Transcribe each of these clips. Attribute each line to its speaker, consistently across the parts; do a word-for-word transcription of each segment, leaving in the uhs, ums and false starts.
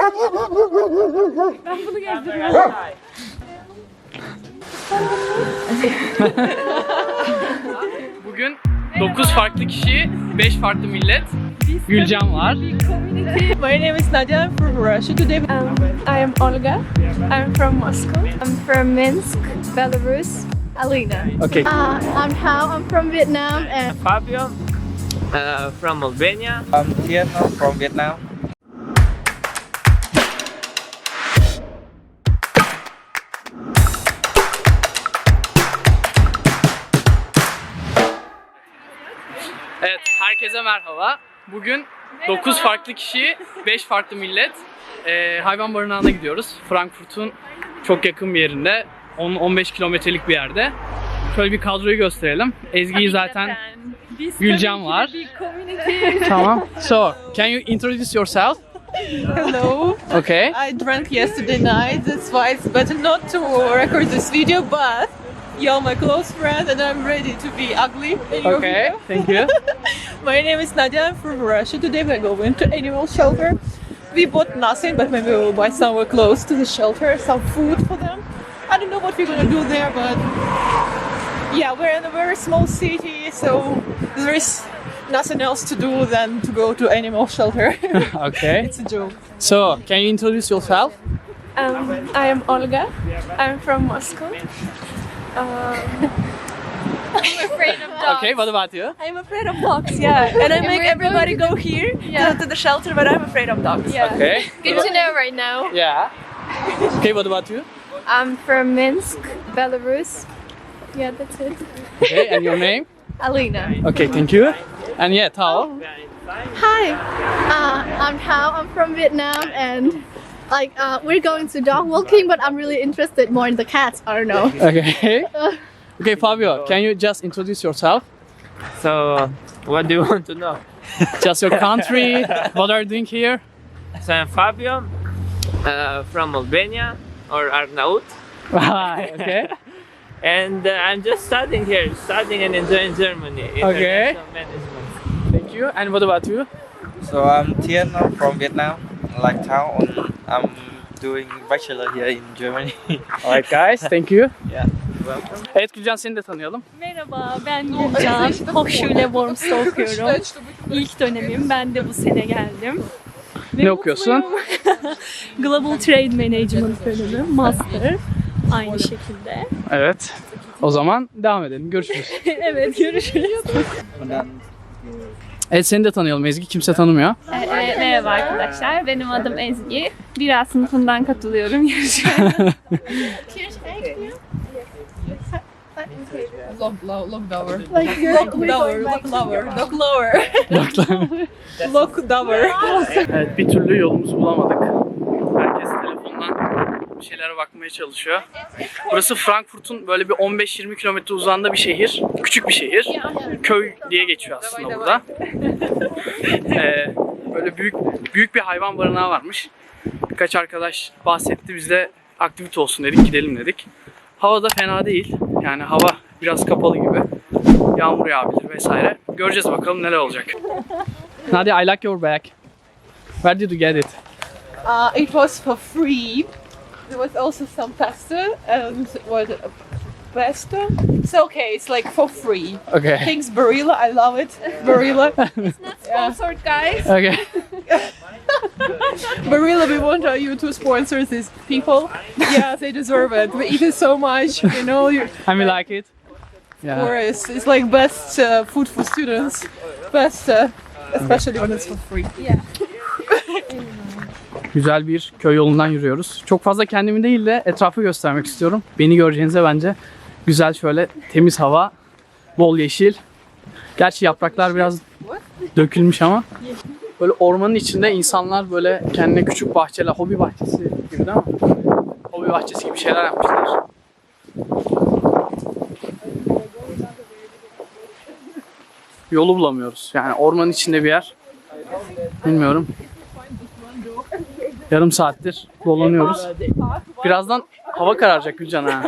Speaker 1: Ben bunu gezdirmem.
Speaker 2: Bugün dokuz farklı kişi, beş farklı millet. Gülcan var.
Speaker 3: My name is Nadia. I'm from Russia today.
Speaker 1: Um, I am Olga. I'm from Moscow. I'm from Minsk, Belarus. Alina.
Speaker 2: Okay.
Speaker 1: Uh, I'm Hao. I'm from Vietnam. And
Speaker 4: Fabio uh, from Albania.
Speaker 5: I'm Tien from Vietnam.
Speaker 2: Evet, herkese merhaba. Bugün dokuz farklı kişi, beş farklı millet ee, hayvan barınağına gidiyoruz. Frankfurt'un çok yakın bir yerinde, on on beş kilometrelik bir yerde. Şöyle bir kadroyu gösterelim. Ezgi'yi zaten, Gülcan var. Tamam. So, can you introduce yourself?
Speaker 3: Hello.
Speaker 2: Okay.
Speaker 3: I drank yesterday night. That's why it's better not to record this video. But you're my close friend, and I'm ready to be ugly in your
Speaker 2: Okay.
Speaker 3: video.
Speaker 2: Thank you.
Speaker 3: My name is Nadia. I'm from Russia. Today we're going to animal shelter. We bought nothing, but maybe we'll buy somewhere close to the shelter, some food for them. I don't know what we're gonna do there, but yeah, we're in a very small city, so there is nothing else to do than to go to animal shelter.
Speaker 2: Okay.
Speaker 3: It's a joke.
Speaker 2: So, can you introduce yourself?
Speaker 1: um, I am Olga. I'm from Moscow. Um, I'm afraid of dogs.
Speaker 2: Okay, what about you?
Speaker 3: I'm afraid of dogs, yeah. And I make
Speaker 1: we're
Speaker 3: everybody
Speaker 1: going
Speaker 3: go here
Speaker 1: Yeah.
Speaker 3: to, to the shelter, but I'm afraid of dogs.
Speaker 1: Yeah.
Speaker 2: Okay.
Speaker 1: Good to know right now.
Speaker 2: Yeah. Okay, what about you?
Speaker 1: I'm from Minsk, Belarus. Yeah, that's it.
Speaker 2: Okay, and your name?
Speaker 1: Alina.
Speaker 2: Okay, thank you. And yeah, Tao.
Speaker 6: Hi, uh, I'm Hao. I'm from Vietnam, and like uh, we're going to dog walking, but I'm really interested more in the cats. I don't know.
Speaker 2: Okay. Okay, Fabio, can you just introduce yourself?
Speaker 4: So, what do you want to know?
Speaker 2: Just your country, what are you doing here?
Speaker 4: So, I'm Fabio uh, from Albania or Arnaut,
Speaker 2: Okay.
Speaker 4: and uh, I'm just studying here, studying and enjoying Germany.
Speaker 2: Okay.
Speaker 4: International Management.
Speaker 2: Thank you. And what about you?
Speaker 5: So I'm Tien from Vietnam, like Thao, and I'm doing bachelor here in Germany.
Speaker 2: Alright guys, thank you.
Speaker 5: Yeah.
Speaker 2: Evet Gülcan, seni de tanıyalım.
Speaker 7: Merhaba, ben Gülcan. Hochschule Worms'ta okuyorum. İlk dönemim, ben de bu sene geldim. Ve
Speaker 2: Ne okuyorsun?
Speaker 7: mutluyum. Global Trade Management bölümü, Master. Aynı şekilde.
Speaker 2: Evet. O zaman devam edelim. Görüşürüz.
Speaker 7: Evet, görüşürüz.
Speaker 2: Evet, seni de tanıyalım Ezgi. Kimse tanımıyor.
Speaker 1: Evet, merhaba arkadaşlar. Benim adım Ezgi. Bir A sınıfından katılıyorum yarışmaya.
Speaker 3: Lock, lock, lock dower. Lock dower, lock lower, lock lower. Lock dower.
Speaker 2: Evet, bir türlü yolumuzu bulamadık. Herkes telefondan bir şeylere bakmaya çalışıyor. Burası Frankfurt'un böyle bir on beş yirmi kilometre uzağında bir şehir. Küçük bir şehir. Köy diye geçiyor aslında burada. Ee, böyle büyük büyük bir hayvan barınağı varmış. Birkaç arkadaş bahsetti. Biz de aktivite olsun dedik, gidelim dedik. Hava da fena değil. Yani hava biraz kapalı gibi. Yağmur yağabilir vesaire. Göreceğiz bakalım neler olacak. Nadia, I like your bag. Where did you get it?
Speaker 3: Uh, it was for free. There was also some pasta and what pasta. It's okay. It's like for free.
Speaker 2: Okay.
Speaker 3: Thanks, Barilla. I love it. Barilla. Yeah.
Speaker 1: Sponsored guys.
Speaker 2: Okay.
Speaker 3: Barilla, we want you to sponsor these people. Yeah, they deserve it. We eat it so much, you know. You,
Speaker 2: And we like it. Yeah.
Speaker 3: or it's, it's like best uh, food for students. Best, uh, especially when it's for free.
Speaker 2: Güzel bir köy yolundan yürüyoruz. Çok fazla kendimi değil de etrafı göstermek istiyorum. Beni göreceğinize bence güzel, şöyle temiz hava, bol yeşil. Gerçi yapraklar biraz dökülmüş ama. Böyle ormanın içinde insanlar böyle kendine küçük bahçeler, hobi bahçesi gibi değil mi? Hobi bahçesi gibi şeyler yapmışlar. Yolu bulamıyoruz. Yani ormanın içinde bir yer. Bilmiyorum. Yarım saattir dolanıyoruz. Birazdan hava kararacak Gülcan ha.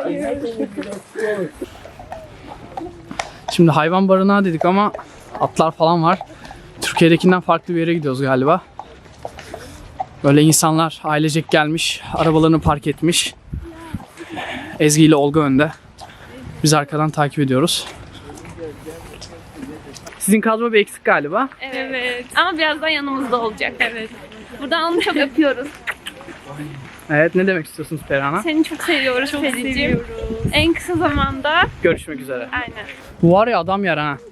Speaker 2: Şimdi hayvan barınağı dedik ama atlar falan var. Türkiye'dekinden farklı bir yere gidiyoruz galiba. Böyle insanlar ailecek gelmiş, arabalarını park etmiş. Ezgi ile Olga önde. Biz arkadan takip ediyoruz. Sizin kadro bir eksik galiba.
Speaker 7: Evet. Ama birazdan yanımızda olacak. Evet. Buradan onu çok öpüyoruz.
Speaker 2: Evet, ne demek istiyorsunuz Perihan'a?
Speaker 7: Seni çok seviyoruz çok seviyoruz. En kısa zamanda.
Speaker 2: Görüşmek üzere.
Speaker 7: Aynen.
Speaker 2: Bu var ya adam yer ha.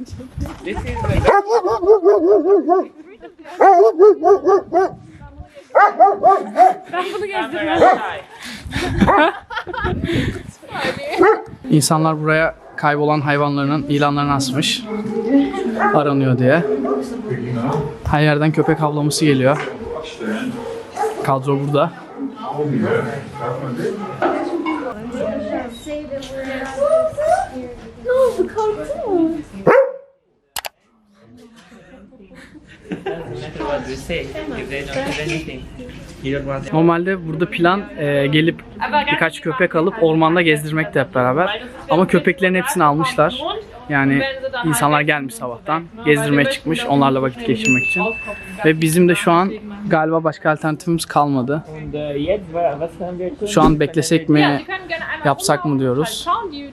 Speaker 7: Ben bunu gezdirmem.
Speaker 2: İnsanlar buraya kaybolan hayvanlarının ilanlarını asmış. Aranıyor diye. Her yerden köpek havlaması geliyor. Kadro burada. Normalde burada plan e, gelip birkaç köpek alıp ormanda gezdirmekti hep beraber. Ama köpeklerin hepsini almışlar. Yani insanlar gelmiş sabahtan, gezdirmeye çıkmış onlarla vakit geçirmek için. Ve bizim de şu an galiba başka alternatifimiz kalmadı. Şu an beklesek mi, yapsak mı diyoruz.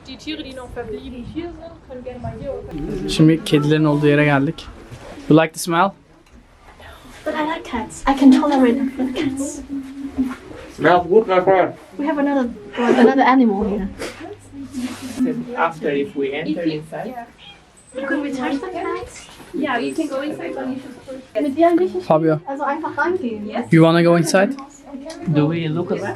Speaker 2: Şimdi kedilerin olduğu yere geldik. You like the smell?
Speaker 6: But I like cats. I can tolerate cats.
Speaker 5: Smells good, my friend.
Speaker 6: We have another another animal here.
Speaker 4: After, if we enter inside.
Speaker 6: Could we touch the cats?
Speaker 7: Yeah, you can go inside, but you should
Speaker 6: Mit dir ein bisschen
Speaker 2: Fabio,
Speaker 6: also einfach reingehen. Yes.
Speaker 2: you wanna go inside?
Speaker 4: Do we look around?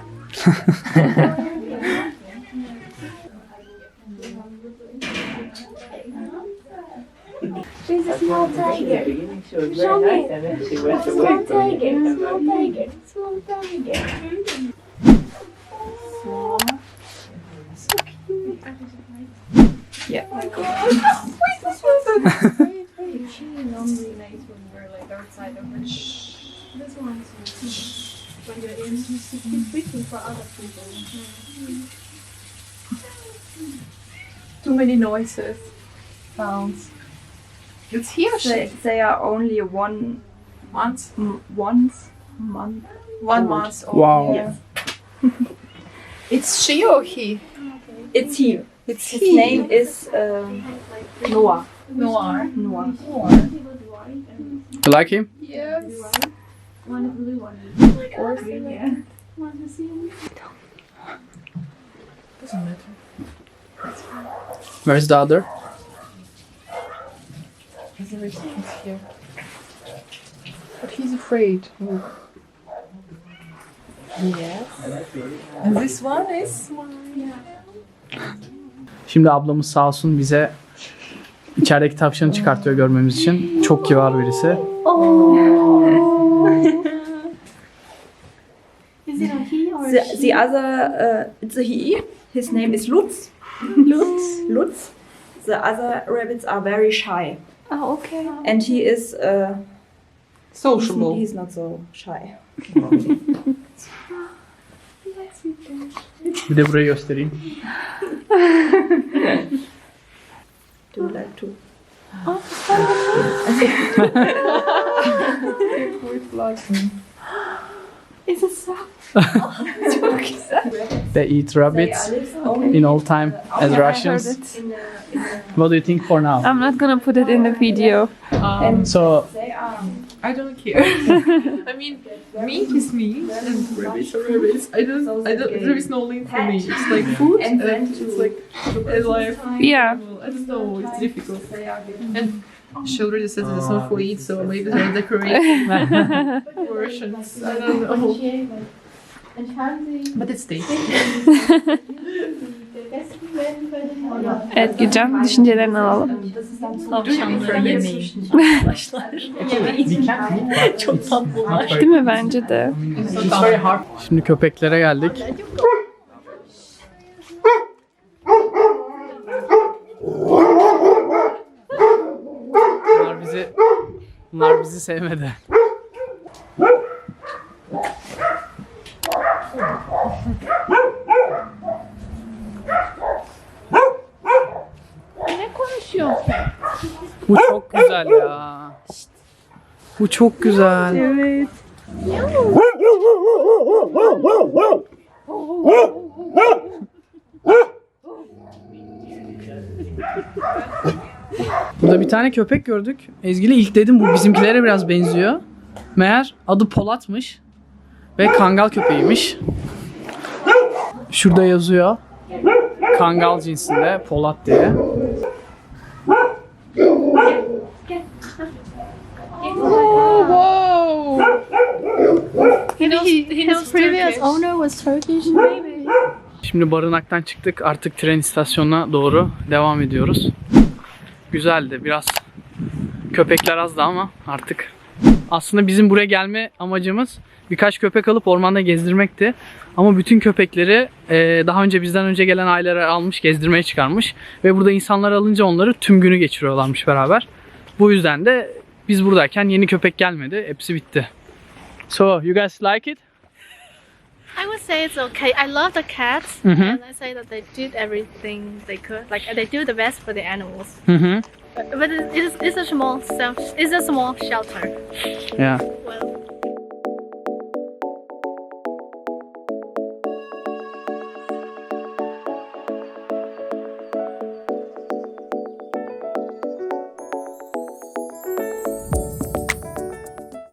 Speaker 6: There's a small tiger.
Speaker 4: She was
Speaker 6: Show
Speaker 4: very
Speaker 6: me.
Speaker 4: nice, and then she went
Speaker 6: Small
Speaker 4: away from
Speaker 6: tiger.
Speaker 4: me.
Speaker 6: Small tiger. Small tiger. So. So cute. Yeah. Oh my god. Wait, this one's so great. She normally lays when we're like outside of her. This one's when you're in, she's waiting for other people. Too many noises. Sounds. It's here.
Speaker 8: They, they are only one
Speaker 6: Months.
Speaker 8: m- once month.
Speaker 6: One
Speaker 8: old.
Speaker 6: month old.
Speaker 2: Wow.
Speaker 6: Yes. It's she or he?
Speaker 8: It's he.
Speaker 6: It's
Speaker 8: His
Speaker 6: he.
Speaker 8: name is um, Noah.
Speaker 6: Noir.
Speaker 8: Noah.
Speaker 2: You like him?
Speaker 6: Yes.
Speaker 2: Where's the other?
Speaker 6: But he's afraid. Yes. And this one is
Speaker 2: Şimdi ablamız sağ olsun bize içerideki tavşanı çıkartıyor görmemiz için. Çok kibar birisi.
Speaker 6: Is it a he or a
Speaker 8: The,
Speaker 6: she?
Speaker 8: the other, uh, it's a he. His name is Lutz. Lutz. Lutz. The other rabbits are very shy,
Speaker 6: Oh, okay.
Speaker 8: and he is. Uh,
Speaker 3: Sociable.
Speaker 8: He's not so shy.
Speaker 2: Bir de burayı göstereyim.
Speaker 8: Do you like to?
Speaker 6: Is it so?
Speaker 2: They eat rabbits in all time as Russians. What do you think for now?
Speaker 7: I'm not gonna put it in the video.
Speaker 2: So
Speaker 3: I don't care. I mean, meat is meat, and rabbits are rabbits. I don't. I don't. There is no link for me. It's like food, and it's like a life.
Speaker 7: Yeah.
Speaker 3: I don't know. It's difficult. And she already said it's not for eat, so maybe they're decorating versions. I don't know. But it's tasty.
Speaker 7: Evet Gülcan, düşüncelerini alalım.
Speaker 3: Çok tatlılar.
Speaker 7: Değil mi? Bence de.
Speaker 2: şimdi köpeklere geldik. Bunlar bizi bunlar bizi sevmedi.
Speaker 7: Ne konuşuyor?
Speaker 2: Bu çok güzel ya. Bu çok güzel.
Speaker 7: Evet.
Speaker 2: Burada bir tane köpek gördük. Ezgi'yle ilk dedim bu bizimkilere biraz benziyor. Meğer adı Polat'mış. Ve Kangal köpeğiymiş. Şurada yazıyor. Kangal cinsinde Polat diye.
Speaker 3: Whoa!
Speaker 7: He, his previous owner was Turkish, maybe.
Speaker 2: Şimdi barınaktan çıktık. Artık tren istasyonuna doğru devam ediyoruz. Güzeldi. Biraz köpekler azdı ama artık. Aslında bizim buraya gelme amacımız birkaç köpek alıp ormanda gezdirmekti. Ama bütün köpekleri daha önce bizden önce gelen aileler almış, gezdirmeye çıkarmış. Ve burada insanlar alınca onları tüm günü geçiriyorlarmış beraber. Bu yüzden de biz buradayken yeni köpek gelmedi. Hepsi bitti. So, you guys like it?
Speaker 7: I would say it's okay. I love the cats,
Speaker 2: Mhm.
Speaker 7: and I say that they did everything they could. Like they do the best for the animals.
Speaker 2: Hı hı.
Speaker 7: But, but it is it's a small self. It's a small shelter.
Speaker 2: Yeah.
Speaker 7: Well,